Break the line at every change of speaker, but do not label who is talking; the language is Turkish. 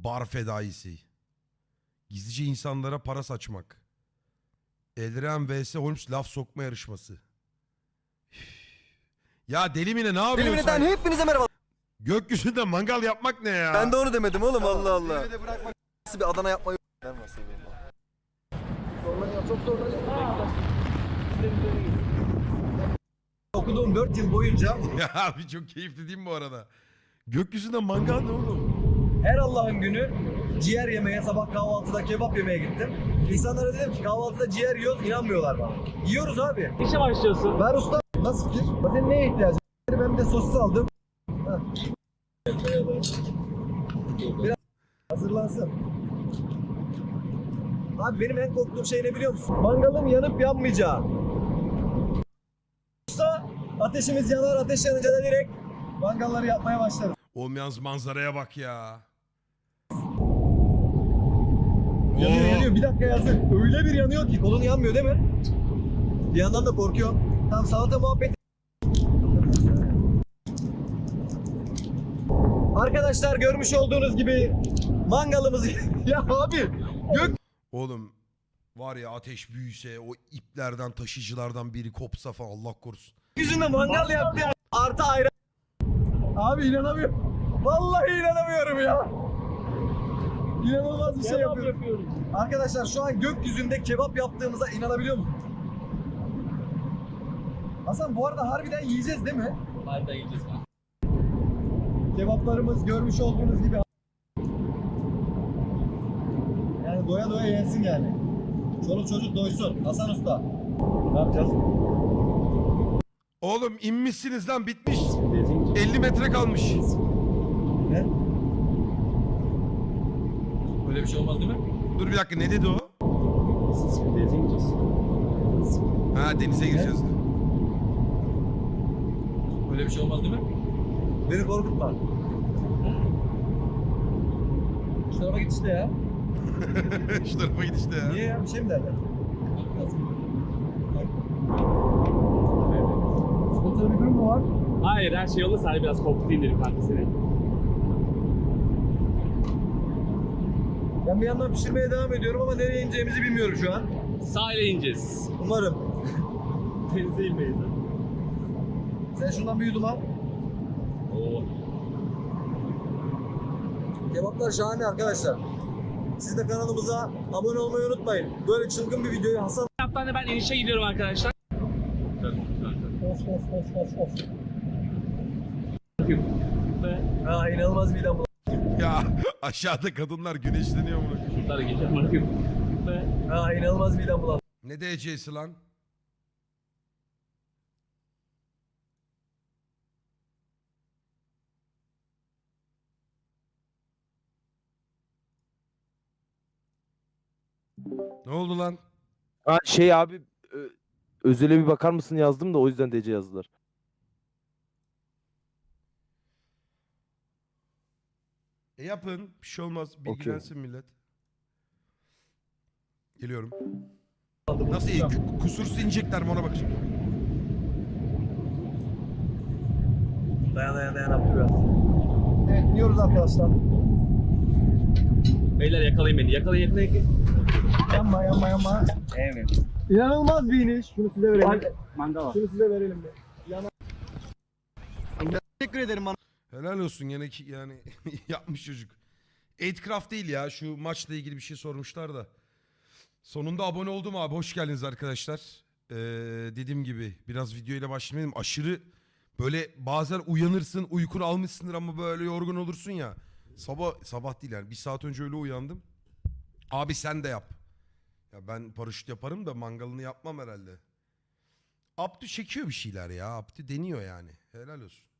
Bar fedaisi. Gizlice insanlara para saçmak. Eldiren vs Holmes laf sokma yarışması. Ya deli Mine ne yapıyorsun
Elimden
sen?
hepinize merhaba.
Gökyüzünde mangal yapmak ne ya?
Ben de onu demedim oğlum, Allah Allah. Nasıl bir Adana yapmayı çok zorlanıyor. Okuduğum 4 yıl boyunca
Ya abi çok keyifli değil mi bu arada? Gökyüzünde mangal ne oğlum?
her Allah'ın günü ciğer yemeye, sabah kahvaltıda kebap yemeye gittim. İnsanlara dedim ki kahvaltıda ciğer yiyoruz, inanmıyorlar bana. Yiyoruz abi.
İşe başlıyorsun.
Ver usta. Nasıl fikir? Senin neye ihtiyacın var? Ben bir de sosis aldım. Biraz hazırlansın. Abi benim en korktuğum şey ne biliyor musun? Mangalın yanıp yanmayacağı. Usta ateşimiz yanar, ateş yanınca da direkt mangalları yapmaya başlarız.
Oğlum yalnız manzaraya bak ya.
Yanıyor
Oo.
yanıyor, bir dakika yazın. Öyle bir yanıyor ki kolun yanmıyor değil mi? Bir yandan da korkuyorum. Tam salata muhabbeti. Arkadaşlar görmüş olduğunuz gibi mangalımızı... Ya abi
Oğlum var ya ateş büyüse o iplerden taşıyıcılardan biri kopsa falan Allah korusun.
gökyüzünde mangal yaptı ya. Artı ayran. Abi inanamıyorum. Vallahi inanamıyorum ya. İnanılmaz bir şey yapıyoruz. Arkadaşlar şu an gökyüzünde kebap yaptığımıza inanabiliyor musunuz? Hasan bu arada harbiden yiyeceğiz değil mi?
Harbiden yiyeceğiz.
Kebaplarımız görmüş olduğunuz gibi. Yani doya doya yensin yani. Çoluk çocuk doysun. Hasan Usta. Ne yapacağız?
Oğlum inmişsiniz lan bitmiş. 50 metre kalmış.
Ne?
Öyle bir şey olmaz değil mi?
Dur bir dakika ne dedi o? Ha denize gireceğiz.
Öyle bir şey olmaz değil mi?
Beni korkutma. Şu tarafa git işte ya.
Şu tarafa git işte ya.
Niye ya? Bir şey mi derler? Sıkıntılı bir durum mu var?
Hayır, her şey yolunda. Sadece biraz korkutayım dedim kanka seni.
Ben bir yandan pişirmeye devam ediyorum ama nereye ineceğimizi bilmiyorum şu an.
Sahile ineceğiz.
Umarım.
Denize inmeyiz.
Sen şundan bir yudum al.
Oo.
Kebaplar şahane arkadaşlar. Siz de kanalımıza abone olmayı unutmayın. Böyle çılgın bir videoyu Hasan...
Kaptan da ben inişe gidiyorum arkadaşlar.
Of.
Ve
Ha inanılmaz midem bulandı.
Ya aşağıda kadınlar güneşleniyor mu?
şunları geçeceğim bakayım. Ve
Ha inanılmaz midem bulandı.
Ne DC'si lan? Ne oldu lan?
Ha şey abi özele bir bakar mısın yazdım da o yüzden DC yazdılar.
Yapın. Bir şey olmaz. Bilgilensin millet. Geliyorum. Nasıl iyi? Kusursuz inecekler mi ona bakacağım.
Dayan yaptı biraz. Evet iniyoruz arkadaşlar.
beyler yakalayın beni. Yakalayın.
Yanma. Evet. İnanılmaz bir iniş. Şunu size verelim.
Mangal var.
Şunu size verelim de. Teşekkür ederim bana.
Helal olsun gene ki yani yapmış çocuk. 8craft değil ya şu maçla ilgili bir şey sormuşlar da. Sonunda abone oldum abi hoş geldiniz arkadaşlar. Dediğim gibi biraz videoyla başlamayalım. Aşırı böyle bazen uyanırsın uykunu almışsındır ama böyle yorgun olursun ya. Sabah değil yani bir saat önce öyle uyandım. Abi sen de yap. Ya ben paraşüt yaparım da mangalını yapmam herhalde. Abdü çekiyor bir şeyler ya. Abdü deniyor yani. Helal olsun.